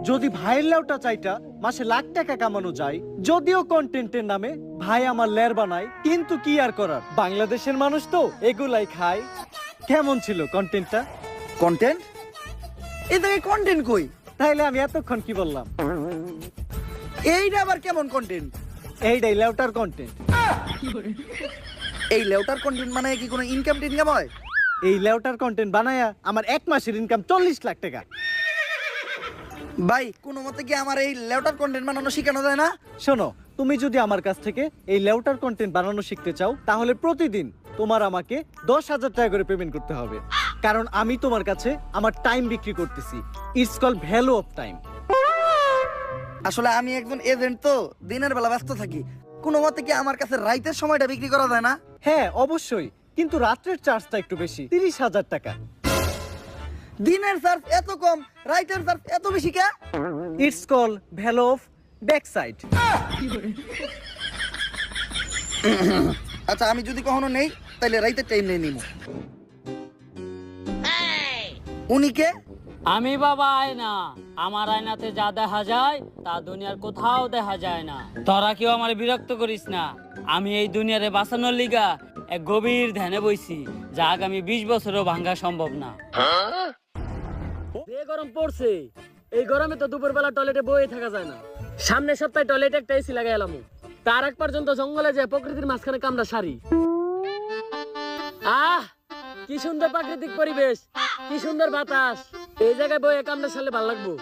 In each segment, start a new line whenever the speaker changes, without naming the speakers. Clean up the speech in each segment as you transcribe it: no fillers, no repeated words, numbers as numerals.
যদি ভাইয়ের লেউটা চাইটা মাসে লাখ টাকা কামানো যায়, যদিও কন্টেন্টের নামে ভাই আমার লের বানায়, কিন্তু কি আর করার, বাংলাদেশের মানুষ তো এগুলাই খায়। কেমন ছিল কন্টেন্টটা?
কন্টেন্ট? এই থেকে কন্টেন্ট কই?
তাইলে আমি এতক্ষণ কি বললাম?
এইটা আবার কেমন কন্টেন্ট?
এইটাই লেউটার কন্টেন্ট।
এই লেউটার কন্টেন্ট মানে কি কোনো ইনকাম টিনকাম হয়?
এই লেউটার কন্টেন্ট বানায়া আমার এক মাসের ইনকাম 40 লাখ টাকা।
ভাই কোনো মতে কি আমার এই লেউটার কন্টেন্ট বানানো শেখানো যায় না?
শোনো, তুমি যদি আমার কাছ থেকে এই লেউটার কন্টেন্ট বানানো শিখতে চাও, তাহলে প্রতিদিন তোমার আমাকে 10,000 টাকা করে পেমেন্ট করতে হবে। কারণ আমি তোমার কাছে আমার টাইম বিক্রি করতেছি। It's call value of time.
আসলে আমি একজন এজেন্ট, তো দিনের বেলা ব্যস্ত থাকি। কোনো মতে কি আমার কাছে রাইতের সময়টা বিক্রি করা যায় না?
হ্যাঁ অবশ্যই, কিন্তু রাত্রের চার্জটা একটু বেশি, 30,000 টাকা।
দিনের চার্জ এত কম, রাইতের চার্জ এত বেশি কে?
It's call value of back side.
আচ্ছা আমি যদি কখনো নেই তাহলে রাইতের টাইম নিয়ে নিব। উনি কে?
আমি বাবা আয়না। আমার আয়নাতে যা দেখা যায় তা দুনিয়ার কোথাও দেখা যায় না। তোরা কেউ আমার বিরক্ত করিস না। আমি এই দুনিয়ারে বাঁচানোর লিগা এক গভীর ধ্যানে বইছি, যা আগামী 20 বছরও ভাঙা সম্ভব না। যে গরম পড়ছে, এই গরমে তো দুপুরবেলা টয়লেটে বয়ে থাকা যায় না। সামনের সপ্তাহে টয়লেটে একটা এসি লাগাই এলাম। তার এক পর্যন্ত জঙ্গলে যায় প্রকৃতির মাঝখানে কামড়া সারি। আহ কি সুন্দর প্রাকৃতিক পরিবেশ, কি সুন্দর বাতাস। এই জায়গায় বই কামড়া সারলে ভালো লাগবো।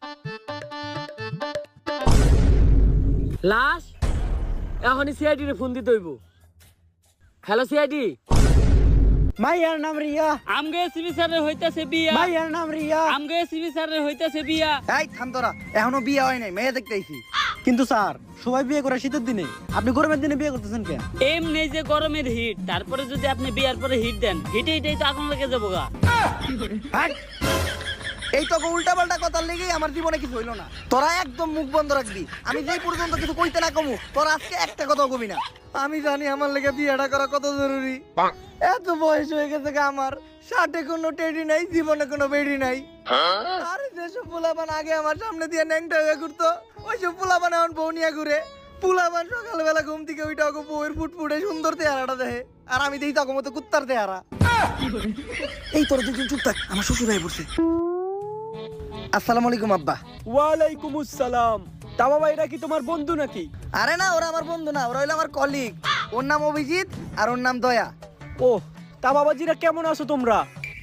লাশ এখনই সিআইডি রে ফোন দিতে হইব। Hello CID.
মাইয়ার নাম রিয়া।
আমগে এসপি স্যারের হইতাছে বিয়া।
মাইয়ার নাম রিয়া।
আমগে এসপি স্যারের হইতাছে বিয়া।
এই থাম তোরা, এখনো বিয়ে হয় নাই, মেয়ে দেখতে আইছি।
কিন্তু স্যার, সবাই বিয়ে করে শীতের দিনে, আপনি গরমের দিনে বিয়ে করতেছেন কেন?
এমনি যে গরমের হিট, তারপরে যদি আপনি বিয়ার পরে হিট দেন, হিটেই তো আগুন লেগে যাবো গা।
হাট! এই তো উল্টা পাল্টা কথার লেগেই আমার জীবনে কিছু হইলো না। তোরা একদম মুখ বন্ধ রাখবি। আমি যেই পর্যন্ত কিছু কইতে না কমু, তোরা আজকে একটা কথা কবি না। আমি জানি আমার লেগে বিয়েটা করা কত জরুরি। এত বয়স হয়ে গেছে আমার, 60 কোনো টেডি নাই, জীবনে কোনো বেডি নাই। আরে যেসব পোলাপান আগে আমার সামনে দিয়ে ন্যাংটা হয়ে ঘুরতো, ওইসব পোলাপান এখন বউ নিয়ে ঘুরে। পোলাপান সকালবেলা ঘুম থেকে ওইটা বউয়ের ফুটফুটে সুন্দর চেহারাটা দেখে, আর আমি দেখি তখন মতো কুত্তার চেহারা। এই তোর দুজন চুপ থাক, আমার শ্বশুর হয়ে পড়ছে। আসসালামু আলাইকুম আব্বা।
ওয়ালাইকুম আসসালাম। তা বাবা, এটা কি তোমার বন্ধু নাকি?
আরে না, ওরা আমার বন্ধু না, ওরা হইলো আমার কলিগ। ওর নাম অভিজিৎ আর ওর নাম দয়া।
ও, তা বাবাজিরা কেমন আছো তোমরা?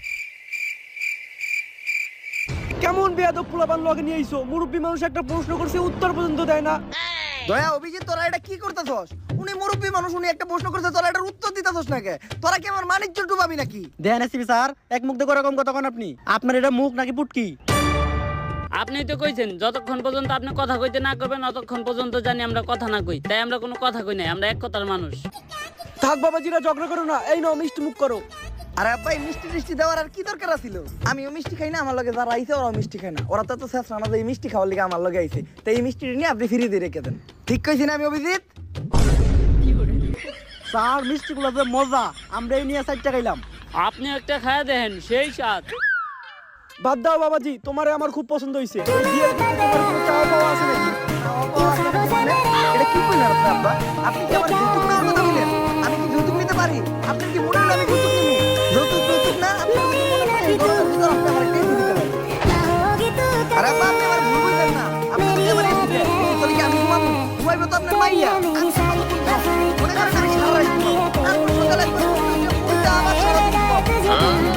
কেমন বেয়াদব পোলাপান লগে নিয়ে আইছো? মুরব্বী মানুষ একটা প্রশ্ন করছে, উত্তর পর্যন্ত দেয় না।
দয়া, অভিজিৎ, তোরা এটা কি করতেছস? উনি মুরব্বী মানুষ, উনি একটা প্রশ্ন করছে, তোরা এটার উত্তর দিতেছস না কে? তোরা কি আমার মানিজ্য ডুবাবি নাকি?
দেন এসপি স্যার, এক মুখ দিয়ে রকম কথা কোন আপনি? আপনার এটা মুখ নাকি পুটকি?
আপনি তো কইছেন যতক্ষণ পর্যন্ত আপনি কথা কইতে না করবেন ততক্ষণ পর্যন্ত জানি আমরা কথা না কই। তাই আমরা কোনো কথা কই নাই, আমরা এক কথার মানুষ।
থাক বাবাজিরা, ঝগড়া করো না। এই নাও মিষ্টি মুখ করো।
আরে আব্বা, এই মিষ্টি টিষ্টি দেওয়ার আর কি দরকার ছিল? আমিও মিষ্টি খাই না, আমার লগে যারা আইছে ওরাও মিষ্টি খায় না। ওরা তো শেষ রানা এই মিষ্টি খাওয়ার লিগে আমার লগে আইছে, তাই এই মিষ্টি নিয়ে আপনি ফিরিয়ে দিয়ে রেখে দেন। ঠিক কইছি না আমি অভিজিৎ?
স্যার, মিষ্টি গুলো যে মজা, আমরা এই নিয়ে 4 টাকা খাইলাম।
আপনি একটা খায়া দেখেন, সেই স্বাদ।
বাদ দাও বাবাজি, তোমারে আমার খুব পছন্দ হইছে। এই বিয়ের ক্ষেত্রে তোমার কোনো চাওয়া পাওয়া আছে নাকি?
এটা কি কইলেন আপনি আব্বা? আপনি কি আমার যৌতুক নেওয়ার কথা বললেন? আমি কি যৌতুক নিতে পারি? আপনি কি মনে হলো আমি যৌতুক নিব? যৌতুক না, আপনি যদি মনে করেন এই গরমের ভিতর আপনি আমার একটা এসি দিতে পারেন। আরে আব্বা, আপনি আমার ভুল বুঝলেন না। আপনি যদি আমার এসি দেন, তাহলে কি আমি ঘুমাবো? ঘুমাইবো তো আপনার মাইয়া। আমি মনে করেন আমি সারা রাত ঘুমাবো। তারপর সকালে উল্টা আবার সারা দিন ঘুমাবো।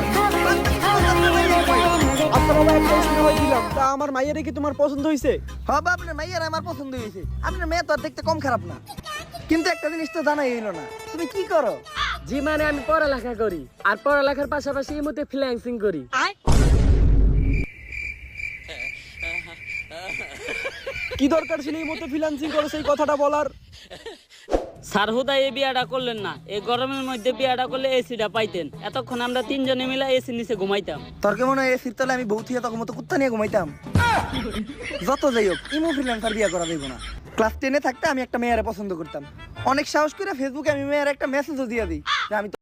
আচ্ছা বাবা, একটা প্রশ্ন দিলাম, তা আমার মাইয়ারে কি তোমার পছন্দ হইছে?
হ্যাঁ বাবা, আপনার মাইয়ার আমার পছন্দ হয়েছে। আপনার মেয়ে তো আর দেখতে কম খারাপ না, কিন্তু একটা জিনিস তো জানাই হইলো না, তুমি কি করো?
জি মানে আমি পড়ালেখা করি, আর পড়ালেখার পাশাপাশি এই মধ্যে ফ্রিল্যান্সিং করি।
কি দরকার ছিল এই মতো ফ্রিল্যান্সিং করো সেই কথাটা বলার?
স্যার হুদা এই বিয়াটা করলেন না। এই গরমের মধ্যে বিয়াটা করলে এসিটা পাইতেন। এতক্ষণ আমরা 3 জনে মিলে এসি নিচে ঘুমাইতাম।
তোর কেমন হয় এসির তলে আমি বউ থিয়া তখন মতো কুত্তা নিয়ে ঘুমাইতাম। যত যাই হোক, ইমো ফ্রিল্যান্সার বিয়ে করা যাইব না। ক্লাস 10-এ থাকতে আমি একটা মেয়েরে পছন্দ করতাম। অনেক সাহস করে ফেসবুকে আমি মেয়ের একটা মেসেজও দিয়ে দিই যে আমি